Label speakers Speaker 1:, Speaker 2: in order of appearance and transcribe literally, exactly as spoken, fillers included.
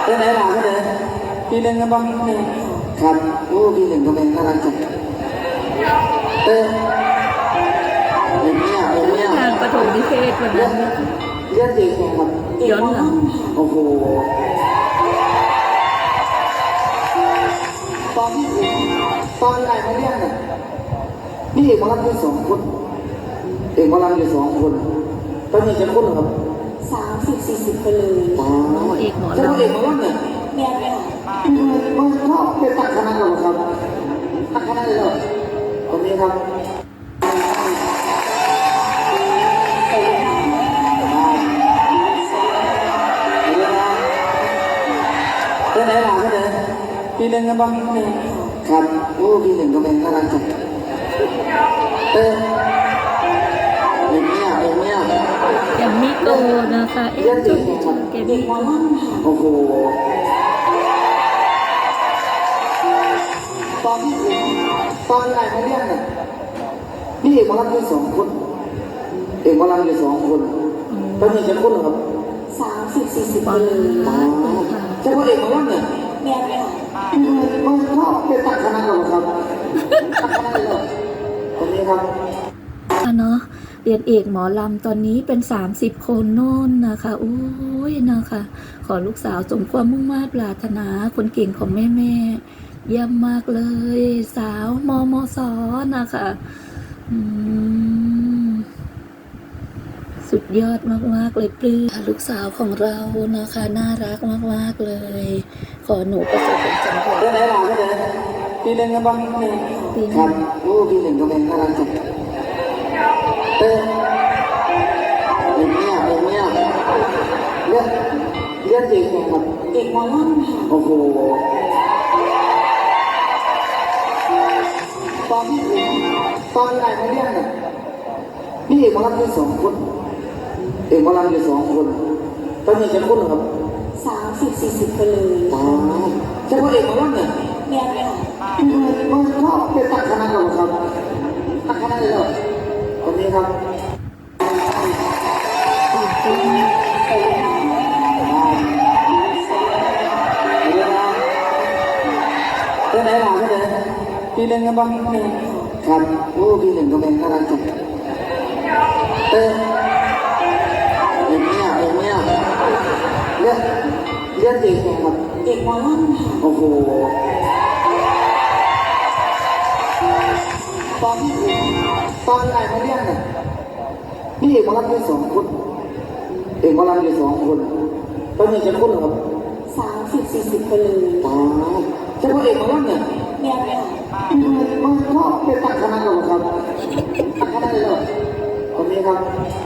Speaker 1: เรื่องไหนหล่ะก็เลยปีหนึ่งกันบ้างครับโอ้ปีหนึ่งก็เป็นน่ารักจังเออเอ็มเนี่ยเอ็มเนี่ย
Speaker 2: งานประถมนิเทศวันนั้น
Speaker 1: เรียนเด็กไงครับ
Speaker 2: ย้อนหลัง
Speaker 1: โอ้โหตอนที่ตอนไหนมาเรียนเนี่ยนี่เอกมารับอยู่สองคนเอกมารับอยู่สองคนตอนนี้จะคนเหรอครับ
Speaker 3: สามสิบสี่สิบไปเลย
Speaker 1: อ๋อ
Speaker 2: เอกหมอ
Speaker 1: จะ
Speaker 2: ลำ
Speaker 1: เอกมารับเนี่ย
Speaker 3: แม่ค่ะ
Speaker 1: มันมันก็เป็นตักคณะเหรอครับตักคณะเลยเหรอตรงนี้ครับเรื่องไหนหล่ะก็เลยปีหนึ่งกันบ้างครับโอ้ปีหนึ่งก็เป็นน่ารักจังเออเอ็มเนี่ยเอ็มเนี่ย
Speaker 2: แกมมี่โตนะคะเอ็มจุ๊บแกมมี่โต
Speaker 1: โอ้โหตอนที่ตอนไหนมาเรียนเนี่ยนี่เอกมารับอยู่สองคนเอกมารับอยู่สองคนตอนนี้จะคนเหรอครับ
Speaker 3: สามสิบสี่สิบไปเลย
Speaker 1: อ๋อจะว่าเอกมารับเนี่ย
Speaker 3: แม่ค่ะ
Speaker 1: มันก็เป็นตักคณะเหรอครับตักคณะเลยเหรอตรงนี้ครับ
Speaker 2: อ่ะเนาะเรียนเอกหมอลำตอนนี้เป็นสามสิบคนโน่นนะคะโอ้ยนะคะขอลูกสาวสมความมุ่งมา่ปรารถนาคนเก่งของแม่แม่เยี่ยมมากเลยสาวมมสนะคะอืมสุดยอดมากๆเลยปลื้มลูกสาวของเรานะคะน่ารักมากๆเลยขอหนูประสบผลสำเร็จ
Speaker 1: เรื่องไหนหล่ะก็เลยปีหนึ่งกันบ้างครับโอ้ปีหนึ่งก็เป็นน่ารักจังเออเอ็มเนี่ยเอ็มเนี่ยเรียนเรียนเด็กไงครับ
Speaker 3: เด็กมอล่ำค่ะ
Speaker 1: โอ้โหตอนที่ตอนไหนมาเรียนเนี่ยนี่เอกมารับอยู่สองคนเอกมารับอยู่สองคนตอนนี้จะคนเหรอครับ
Speaker 3: สามสิบสี่สิบไปเลย
Speaker 1: อ๋อจะว่าเอกมารับเนี่ย
Speaker 3: แม่ค่ะ
Speaker 1: มันก็เป็นตักคณะเหรอครับตักคณะเลยเหรอตรงนี้ครับเรื่องไหนหล่ะก็เลยปีหนึ่งกันบ้างครับโอ้ปีหนึ่งก็เป็นน่ารักจังเออเอ็มเนี่ยเอ็มเนี่ยเรียนเรียนเด็กไงครับ
Speaker 3: เด็กมอล่ำค่ะ
Speaker 1: โอ้โหตอนที่ตอนไหนมาเรียนเนี่ยนี่เอกมารับอยู่สองคนเอกมารับอยู่สองคนตอนนี้จะคนเหรอครับ
Speaker 3: สามสิบสี่สิบไปเลย
Speaker 1: อ๋อจะว่าเอกมารับเนี่ย
Speaker 3: แม่ค่ะ
Speaker 1: มันก็เป็นตักคณะเหรอครับตักคณะเลยเหรอตรงนี้ครับ